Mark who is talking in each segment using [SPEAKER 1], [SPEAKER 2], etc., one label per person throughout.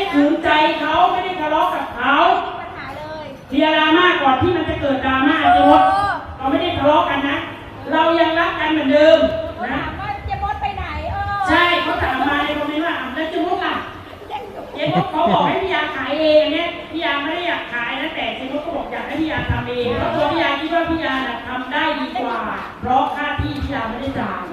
[SPEAKER 1] ขืนใจเขาไม่ได้ทะเลาะกับเขา
[SPEAKER 2] ปัญหาเลย
[SPEAKER 1] เคลียร์ดราม่าก่อนที่มันจะเกิดดราม่าเจ๊มดเราไม่ได้ทะเลาะกันนะเรายังรักกันเหมือนเดิมนะ
[SPEAKER 2] ถามว่าเจ๊มดไปไหน
[SPEAKER 1] ใช่เขาถามมาในคอมเมนต์ว่าแล้วเจ๊มดล่ะเจ๊มดเขาบอกให้พี่ยาขายเองเนี่ยพี่ยาไม่ได้อยากขายนะแต่เจ๊มดก็บอกอยากให้พี่ยาทำเองเพราะตัวพี่ยาคิดว่าพี่ยาทำได้ดีกว่าเพราะค่าที่พี่ยาไม่ได้จ่าย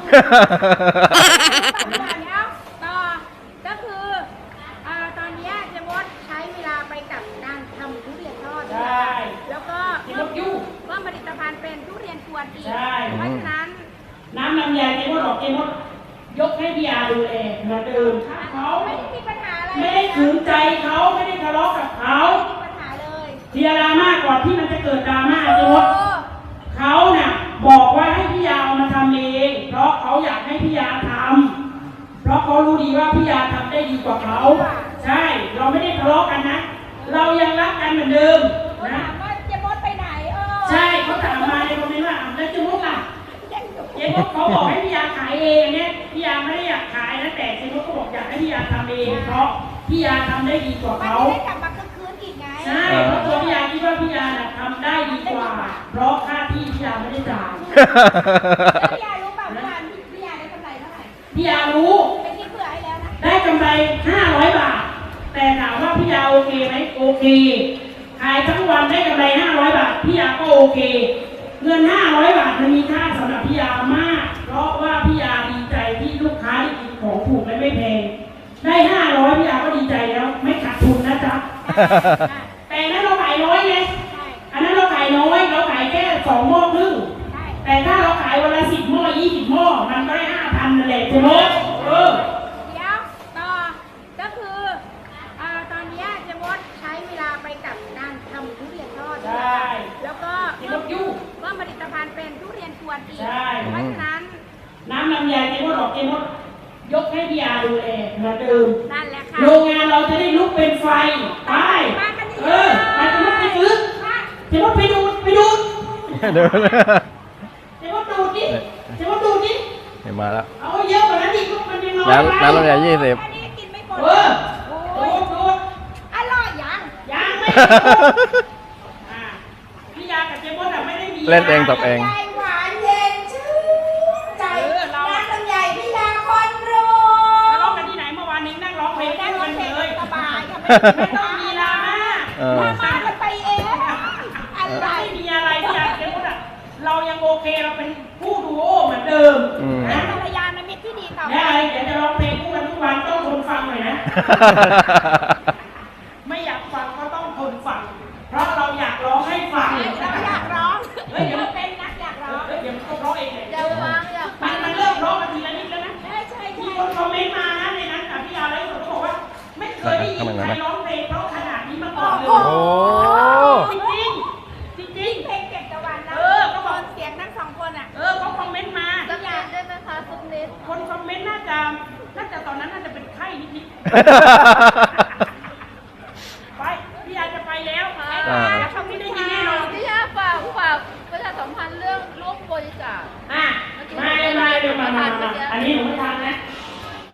[SPEAKER 2] ต่อก็คือตอนนี้เจ๊มดใช้เวลาไปกับการทำทุเรียนทอด
[SPEAKER 1] ใช่
[SPEAKER 2] แล้วก็
[SPEAKER 1] เจ๊มดยุ่ง
[SPEAKER 2] ว่าผลิตภัณฑ์เป็นทุเรียนกวนอีก
[SPEAKER 1] ใช่
[SPEAKER 2] เพราะฉะนั้น
[SPEAKER 1] น้ำลำไยเจ๊มดบอกเจ๊มดยกให้พี่ยาดูแลเหมือนเดิมเขา
[SPEAKER 2] ไม่ได้มีปัญหาอะไร
[SPEAKER 1] ไม่ได้ขืนใจเขาไม่ได้ทะเลาะกับเขา
[SPEAKER 2] ไม่มีปัญหาเลย
[SPEAKER 1] เคลียร์ดราม่าก่อนที่มันจะเกิดดราม่าเจ๊มดเขาน่ะบอกว่าให้พี่ยามาทำเองเพราะเขาอยากให้พี่ยาทำเพราะเขารู้ดีว่าพี่ยาทำได้ดีกว่าเขาใช่เราไม่ได้ทะเลาะกันนะเรายังรักกันเหมือนเดิมนะ
[SPEAKER 2] ถามว่าเจ๊มดไปไหน
[SPEAKER 1] ใช่เขาถามมาในคอมเมนต์ว่าแล้วเจ๊มดล่ะเจ๊มดเขาบอกให้พี่ยาขายเองเนี่ยพี่ยาไม่ได้อยากขายนะแต่เจ๊มดก็บอกอยากให้พี่ยาทำเองเพราะพี่ยาทำได้ดีกว่าเขา
[SPEAKER 2] ได้กลับมาคืนอีกไง
[SPEAKER 1] ใช่เพราะตัวพี่ยาคิดว่าพี่ยาทำได้ดีกว่าเพราะค่าที่พี่ยาไม่ได้จ่าย
[SPEAKER 2] พี่ยารู้เปล่าว่าพี่ยาได้กำไรเท่าไหร่
[SPEAKER 1] พี่ยารู้
[SPEAKER 2] ไปคิดเผื่อให้แล้วนะ
[SPEAKER 1] ได้กำไร500 บาทแต่ถามว่าพี่ยาโอเคไหมโอเคขายทั้งวันได้กำไร500 บาทพี่ยาก็โอเคเงิน500 บาทมันมีค่าสำหรับพี่ยามากเพราะว่าพี่ยาดีใจที่ลูกค้าได้กินของถูกและไม่แพงได้500พี่ยาก็ดีใจแล้วไม่ขาดทุนนะจ๊ะแต่นั้นเราขายน้อยไงอันนั้นเราขายน้อยเราขายแค่2 หม้อครึ่งแต่ถ้าเราขายวันละ10 หม้อ20 หม้อมันก็ได้5,000นั่นแหละใช่ไหม
[SPEAKER 2] เดี๋ยวต่อก็คือตอนนี้เจ๊มดใช้เวลาไปกับการทำทุเรียนทอด
[SPEAKER 1] ใช่
[SPEAKER 2] แล้วก็
[SPEAKER 1] เจ๊มดยุ่ง
[SPEAKER 2] ว่าผลิตภัณฑ์เป็นทุเรียนกวนอีก
[SPEAKER 1] ใช่
[SPEAKER 2] เพราะฉะนั้น
[SPEAKER 1] น้ำลำไยเจ๊มดบอกเจ๊มดยกให้พี่ยาดูแลเหมือนเดิม
[SPEAKER 2] นั่นแหละค่ะ
[SPEAKER 1] โรงงานเราจะได้ลุกเป็นไฟไปไปเจ๊มดไปซื้อเจ๊มดไปดูเจ๊มดดูดิเจ๊มดดูดิ
[SPEAKER 3] เห็นมาแล้ว
[SPEAKER 1] เอาเยอะกว่านั้นอีกมันยังน้อย
[SPEAKER 3] น้ำลำไย20
[SPEAKER 2] อันนี้กินไม่หมด
[SPEAKER 1] ดู
[SPEAKER 2] อร่อยยัง
[SPEAKER 1] ไม่พี่ยากับเจ๊มดไม่ได้มี
[SPEAKER 3] เล่นเองตบเอง
[SPEAKER 2] หวานเย็นชื่นใจน้ำลำไยพี่ยาคนรู้
[SPEAKER 1] ร้องกันที่ไหนเมื่อวานนี้นั่งร้องเพลงกันเลย
[SPEAKER 2] สบาย
[SPEAKER 1] ไม่ต้องมีดราม่า
[SPEAKER 2] มันไปเอง
[SPEAKER 1] อะไรไม่มีอะไรพี่ยาเจ๊มดเรายังโอเคเราเป็นผู้ดูโอเหมือนเดิม
[SPEAKER 2] นะภรรยามิตรที่ดีต่อ
[SPEAKER 1] ได้เดี๋ยวจะร้องเพลงคู่กันทุกวันต้องทนฟังหน่อยนะไม่อยากฟังก็ต้องทนฟังเพราะเราอยากร้องให้ฟัง
[SPEAKER 2] เราอยากร้อง
[SPEAKER 1] เดี๋ยว
[SPEAKER 2] เป็นนักอยากร้อง
[SPEAKER 1] เดี๋ยวต้องร้องเองเลย
[SPEAKER 2] เดี๋ยววางอยาก
[SPEAKER 1] มันเริ่มร้องมาทีละนิดแล้วนะ
[SPEAKER 2] ใช่
[SPEAKER 1] มีคนคอมเมนต์มานะในนั้นพี่ยาเลยเขาบอกว่าไม่เคยได้ยินใครร้องเพลงเพราะขนาดนี้มาก่อนเลยจริง
[SPEAKER 2] เพลงเก็บตะวันนะก็บอกเสียงทั้ง2 คน
[SPEAKER 1] เขาคอมเมนต์มา
[SPEAKER 2] สักอย่างได้ไหมคะสักนิด
[SPEAKER 1] คนคอมเมนต์น่าจะตอนนั้นน่าจะเป็นไข้นิดไปพี่ยาจะไปแล้วแล้วช่องนี้ได้ยินแน่นอน
[SPEAKER 4] พี่ยาฝากประชาสัมพันธ์เรื่องร่วมบริจาค
[SPEAKER 1] ไม่เดี๋ยวมาอันนี้หนูไม่ทำนะ